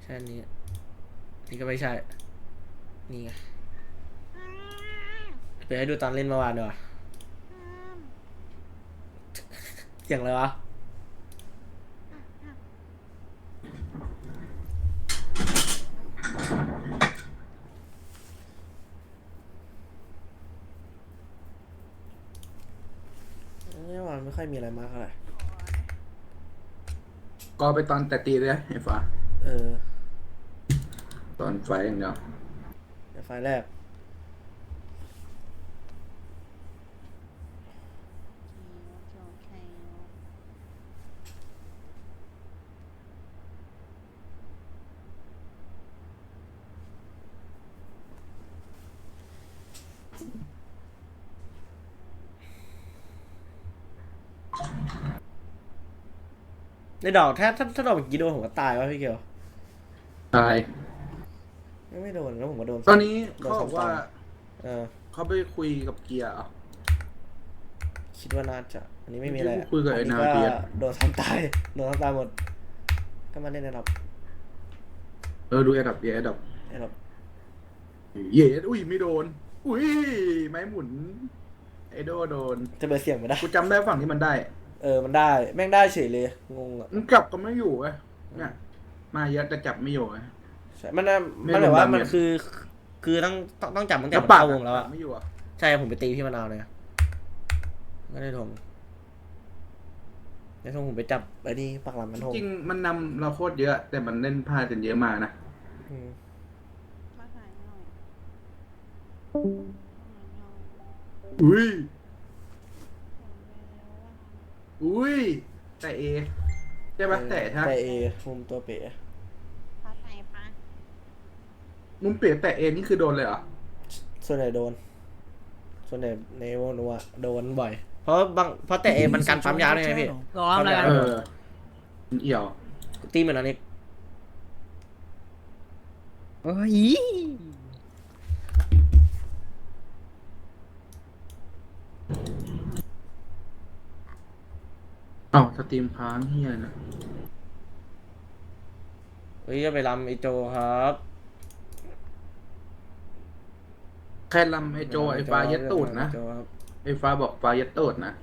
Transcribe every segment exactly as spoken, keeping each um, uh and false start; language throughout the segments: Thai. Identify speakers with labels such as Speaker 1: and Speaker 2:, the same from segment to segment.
Speaker 1: ช่อันนี้นี่ก็ไม่ใช่นี่ไงไปให้ดูตอนเล่นเมื่อวานดีกว่าเสียงอะไรวะเมื่อวานไม่ค่อยมีอะไรมากเท่าไหร่
Speaker 2: ก็ไปตอนแต่ตีเลยไอ้ฟ้า
Speaker 1: เออ
Speaker 2: ตอนไฟอย่างเดียว
Speaker 1: เดี๋ยวไฟล์แรกในดอกถ้าถ้าถ้าดอกเมื่อกี้โดนผมก็ตายวะพี่เกียว
Speaker 2: ตาย
Speaker 1: ไม่ไม่โดนแล้วผมก็โดน
Speaker 2: ตอนนี้
Speaker 1: โดน
Speaker 2: เขาบอกว่า
Speaker 1: เออ
Speaker 2: เขาไปคุยกับเกียร์อ่ะ
Speaker 1: คิดว่าน่าจะอันนี้ไม่มีอะไร
Speaker 2: คุยกับไอ้นาเดีย
Speaker 1: โดนทำตายโดนทำตายหมดก็มาเล่นในดอก
Speaker 2: เออดูแอดับเยแอดับ
Speaker 1: ในดอก
Speaker 2: เยอุ้ยไม่โดนอุ้ยไม้หมุนไอโดโดน
Speaker 1: จะเปิดเสียงไม่ได้
Speaker 2: กูจำได้ฝั่งที่มันได้
Speaker 1: เออมันได้แม่งได้เฉยเลยงงอ่ะ
Speaker 2: มันกลับก็ไม่อยู่ไงเนี่ยมาเยอะแต่จับไม่อยู่ไง
Speaker 1: ใช่มันน่ะมันแบบว่ามันคือคือต้องต้องต้องจับตั้งแต่มันเข้าวงแล้วอะ
Speaker 2: ไม่อยู่อ่ะ
Speaker 1: ใช่ผมไปตีพี่มะนาวเลยไม่ได้ทงในทงผมไปจับไอ้นี่ปักหลังมันทง
Speaker 2: จริงมันนำเราโคตรเยอะแต่มันเล่นพลาดกันเยอะมากนะอุ้ยอุ้ยแต่เอใช่ปะแต่ถ้า
Speaker 1: แต่เอมุมตัวเป๋
Speaker 2: มุมเปลี่ยนแต่เอนี่คือโดนเลยเหรอ
Speaker 1: ส่วนใหญ่โดนส่วนใหญ่ในวงนัวโดนบ่อยเพราะบางเพราะแต่เอมันกันปั๊มยาวเลยไงพี่
Speaker 3: รออะไรกัน
Speaker 2: เออเอี่ยว
Speaker 1: ตีเหมือนอันนี้
Speaker 3: โอ้ย
Speaker 2: เอ้าสตรีมค้างเฮียนะ
Speaker 1: เฮ้ยจะไปรำไอโจครับ
Speaker 2: แค่ลำไอโจไอฟ้าเย็ดตูดนะไอฟ้าบอกฟ้าเย็ดตูดนะ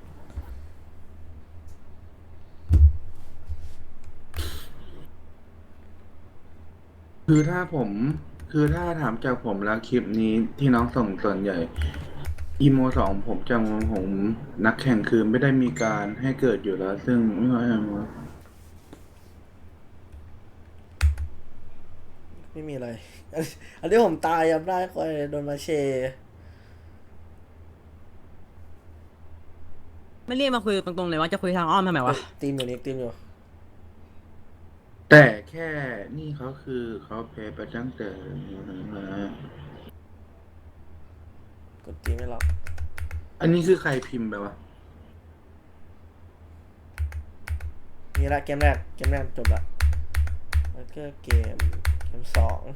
Speaker 2: คือถ้าผมคือถ้าถามจากผมแล้วคลิปนี้ที่น้องส่งส่วนใหญ่อีโมสองผมจำผมนักแข่งคือไม่ได้มีการให้เกิดอยู่แล้ว ซึ่งไม่ค่อยเอา
Speaker 1: ไม่มีอะไรอันนี้ผมตายยับได้คอยโดนมาเช
Speaker 3: ไม่เรียกมาคุยตรงๆเลยว่าจะคุยทางอ้อมทำไมวะ
Speaker 1: ตีมอยู่นี่ตีมอยู่
Speaker 2: แต่แค่นี่เขาคือเขาแพ้ไปตั้งแต่
Speaker 1: กดตีไม่ล็อก
Speaker 2: อันนี้คือใครพิมพ์ไปวะ
Speaker 1: นี่ละเกมแรกเกมแรกจบละแล้วก็เกมเกมสอง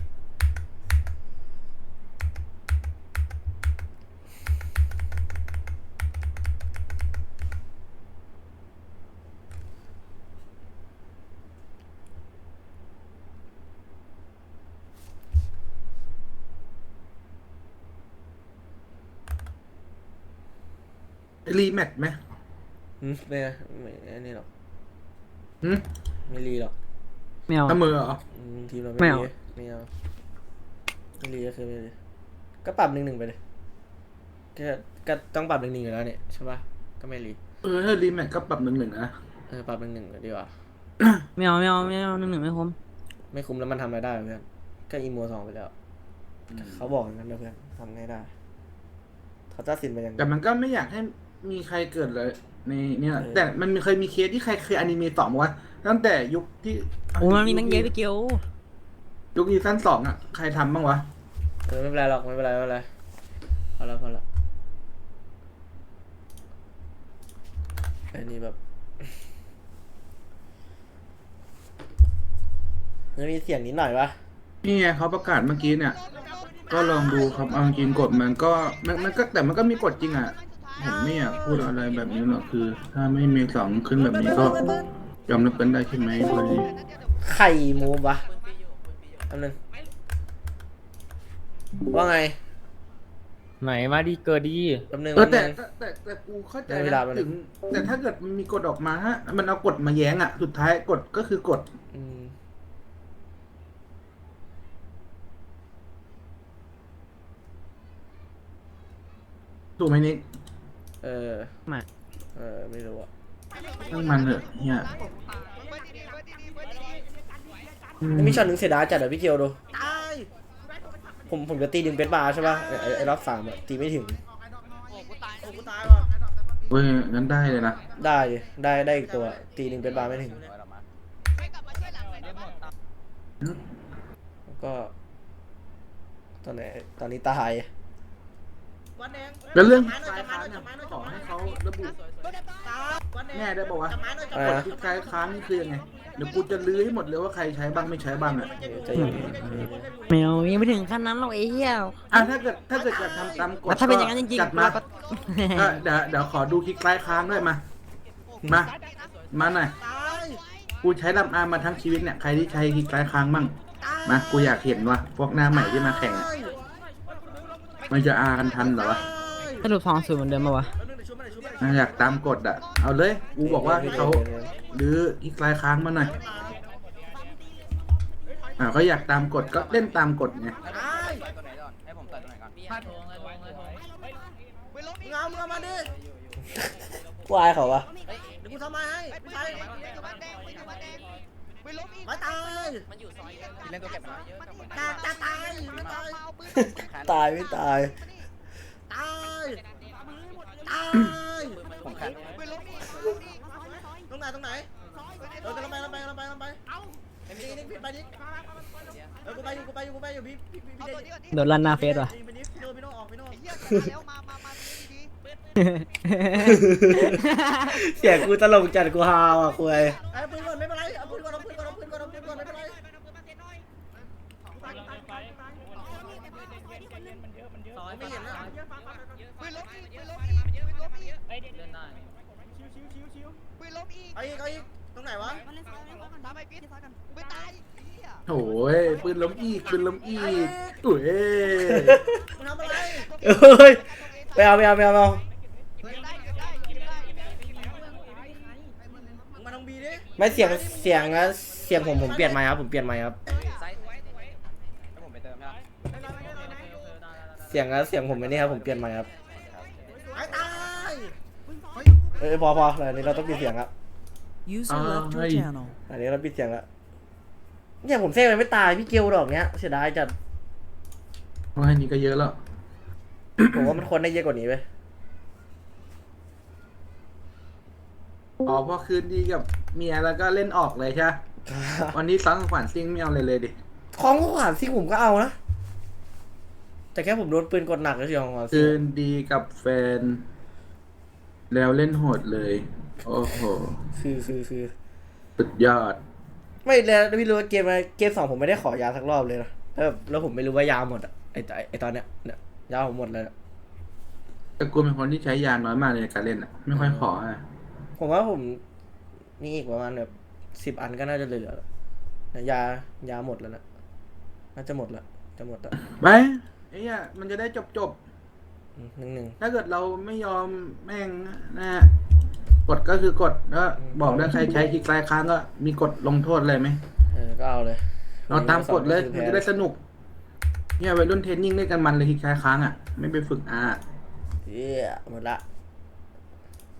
Speaker 2: รีแมทไหม
Speaker 1: อืมไม่ไม่อันนี้หรอก
Speaker 2: หืม
Speaker 1: ไม่รีหรอก
Speaker 3: ไม่เอา
Speaker 2: เสมอเหรอ
Speaker 1: ทีมเราไม่รีไม่เอาไม่รีก็คือไม่รีก็ปรับหนึ่งหนึ่งไปเลยก็ก็ต้องปรับหนึ่งหนึ่งอยู่แล้วเนี่ยใช่ปะก็ไม่รี
Speaker 2: เออถ้ารีแมทก็ปรับหนึ่งหนึ่งนะ
Speaker 1: เออปรับหนึ่งหนึ่งดีกว่า
Speaker 3: ไม่เอาไม่เอาไม่เอาหนึ่งหนึ่งไม่คุ้ม
Speaker 1: ไม่คุ้มแล้วมันทำอะไรได้เพื่อนก็อีโมสองไปแล้วเขาบอกอย่างนั้นนะเพื่อนทำไงได้เขาตัดสินไปอย่าง
Speaker 2: แต่มันก็ไม่อยากให้มีใครเกิดเลยในเนี่ยแต่มันเคยมีเคสที่ใครเคยอนิเมะสองวะตั้งแต่ยุคที่
Speaker 3: โอ้มันมีตั้งเยอะไปเกี่ยว
Speaker 2: ยุคซีซั่นสองอ่ะใครทำบ้างวะ
Speaker 1: เออไม่เป็นไรหรอกไม่เป็นไรไม่เป็นไรพอละพอละไอ้นี่แบบมันมีเสียงนิดหน่อยปะ
Speaker 2: นี่ไงเขาประกาศเมื่อกี้เนี่ยก็ลองดูครับเอาจริงกฎมันก็มันมันก็แต่มันก็มีกฎจริงอ่ะผมไม่อยากพูดอะไรแบบนี้หรอกคือ ถ้าไม่มีสองขึ้นแบบนี้ก็ยอมรับกันได้ใช่ไหมคนนี้
Speaker 1: ไข่มูฟวะอันนึงว่าไง
Speaker 4: ไหนมาดีเกิดดี
Speaker 1: แป๊บนึง
Speaker 2: เออ
Speaker 1: แป๊
Speaker 2: แต่
Speaker 1: บนึง
Speaker 2: แต่แต่แต่กูเข้าใจ
Speaker 1: ได้เวลา
Speaker 2: นะ
Speaker 1: แล้ว
Speaker 2: ถึง แต่ถ้าเกิดมันมีกฎออกมาฮะมันเอากฎมาแย้งอ่ะ สุดท้ายกฎก็คือกฎ
Speaker 1: อืม
Speaker 2: ถูกไหมนิก
Speaker 1: เออ
Speaker 3: มา
Speaker 1: เออไม่รู้อะ
Speaker 2: ต้องมันเถอะเนี่ยอืม
Speaker 1: มีช็อตหนึ่งเสียดายจัดอะพี่เกียวดูผมผมจะตีดึงเป็นบาร์ใช่ป่ะไอ้ไอ้ไอ้รอบสามอะตีไม่ถึง
Speaker 2: เว้ยงั้นได้เลยนะ
Speaker 1: ได้ได้ได้อีกตัวตีดึงเป็นบาร์ไม่ถึงแล้วก็ตอนไหนตอนนี้ตาย
Speaker 2: แล้วเรื่องคลายค้านเนี่ยขอให้เขาระบุแน่ได้บอกว่าวะ
Speaker 1: อะไร
Speaker 2: กฎ
Speaker 1: นะ
Speaker 2: ที่คลายค้านนี่คือยังไงเดี๋ยวกูจะลื้อให้หมดเลยว่าใครใช้บ้างไม่ใช้บ้างอ่ะ
Speaker 1: ใจเย็น
Speaker 3: ไม่เอายังไม่ถึงขั้นนั้นหรอกไอ้เหี้ย
Speaker 2: อ่ะถ้าเกิดถ้าเกิดจะทำตามกฎ
Speaker 3: แล้วถ้าเป็นอย่างนั้นจริงๆ
Speaker 2: จัดมา
Speaker 3: เราก็
Speaker 2: ก็เดี๋ยวเดี๋ยวขอดูคลิกคลายค้านด้วยมา มา มาหน่อย กูใช้ลำอามาทั้งชีวิตเนี่ย ใครที่ใช้คลิกคลายค้างบ้าง มา กูอยากเห็นว่ะพวกหน้าใหม่ที่มาแข่งอะมันจะอากันทันเหรอวะ
Speaker 3: สรุปสองศูนย์เหมือนเดิมปะวะ
Speaker 2: น่าอยากตามกฎอ่ะ เอาเลย กูบอกว่าให้เขาหรือคลิกคลายค้างมาหน่อย อ่าก็อยากตามกฎก็เล่นตามกฎไง
Speaker 1: กูอายเขาวะ
Speaker 5: เดี๋ยวกูทำไมให้ไม่ใช่ไม่ตายเล่นตัวเก็บตายตายตายไม่ตาย
Speaker 1: ตายไม่ตาย
Speaker 5: ตายตายตรงไหนตรงไหนเออกำลังไปกำลังไปกำลังไปกำลังไปดิดิพี่ไปดิเออกูไปอยู่กูไปอยู่กูไปอยู่พี่พี่พี่เด
Speaker 3: โดนลั่นหน้าเฟซว่ะ
Speaker 5: พี่ดิพี่โน่พี่โน่ออกพี่โน่
Speaker 1: เสียงกูตลกจัดกูฮาวอ่ะคุย
Speaker 5: ไอ้ปืนก่อนไม่เป็นไรเอาปืนก่อนเอาปืนก่อนเอาปืนก่อนเอาปืนก่อนไม่เป็นไรไม่เห็นนะเอาอีกเอาอีกตรงไหนวะ
Speaker 2: โอ้ยปืนล้มอีกปืนล้มอีกโอ้ย
Speaker 5: มึงทำอะไร
Speaker 1: เฮ้ยไปเอาไปเอาไปเอาไปเอา
Speaker 5: มึงมาทางบีดิ
Speaker 1: ไม่เสียงเสียงนะเสียงผมผมเปลี่ยนไมค์ครับผมเปลี่ยนไมค์ครับเสียงนะเสียงผมไม่นี่ครับผมเปลี่ยนไมค์ครับ
Speaker 5: ไอ้ตาย
Speaker 1: เออพอพออันนี้เราต้องปิดเสียงละ
Speaker 6: User left your
Speaker 2: Ay.
Speaker 6: channel.
Speaker 1: อันนี้เราปิดเสียงละเนี่ยผมเซ่ไปไม่ตายพี่เกียวดอกเนี้ยเสียดายจัด
Speaker 2: ว่าอันนี้ก็เยอะแล้ว
Speaker 1: ผมว่ามันควรได้เยอะกว่านี้ไป
Speaker 2: อ๋อพอคืนดีกับเมียแล้วก็เล่นออกเลยใช่ไหมวันนี้ซ้อนขวัญซิ่งไม่เอาเลยเลยดิ
Speaker 1: ของขวานซิ่งผมก็เอานะแต่แค่ผมโดนปืนกดหนักก็เฉยของขวานซิ่
Speaker 2: คื
Speaker 1: ง
Speaker 2: นดีกับแฟน แล้วเล่นโหดเลย โอ้โห
Speaker 1: คือคือคือ
Speaker 2: สุดยอด
Speaker 1: ไม่แล้วพี่รู้ว่าเกมอะไรเกมสองผมไม่ได้ขอยาสักรอบเลยนะแล้วแบบแล้วผมไม่รู้ว่ายาหมดอะไอไอ้ไอตอนเนี้ยเนี่ยยาผมหมดเลยอะ
Speaker 2: แต่กูเป็นคนที่ใช้ยาน้อยมากเลยในการเล่นอ่ะ ไม่ค่อยขออ่ะ
Speaker 1: ผมว่าผมมีอีกประมาณแบบสิบอันก็น่าจะเหลือแล้วนะยายาหมดแล้วนะน่าจะหมดละจะหมดละ
Speaker 2: ไปไอ้เนี่ยมันจะได้จบจบ
Speaker 1: อืมหนึ่งหนึ่ง
Speaker 2: ๆถ้าเกิดเราไม่ยอมแม่งนะกฎก็คือกฎแล้วบอกได้ใครใช้คลิกคลายค้างก็มีกฎลงโทษอะไรไหม
Speaker 1: เออก็เอาเลย
Speaker 2: เราตามกฎเลย
Speaker 1: คือ
Speaker 2: มัน
Speaker 1: แพ้
Speaker 2: จะได้สนุก เนี่ยวัยรุ่นเทรนนิ่งเล่นกันมันเลยคลิกคลายค้างอ่ะ ไม่ไปฝึกอ่ะ
Speaker 1: เย้หมดละ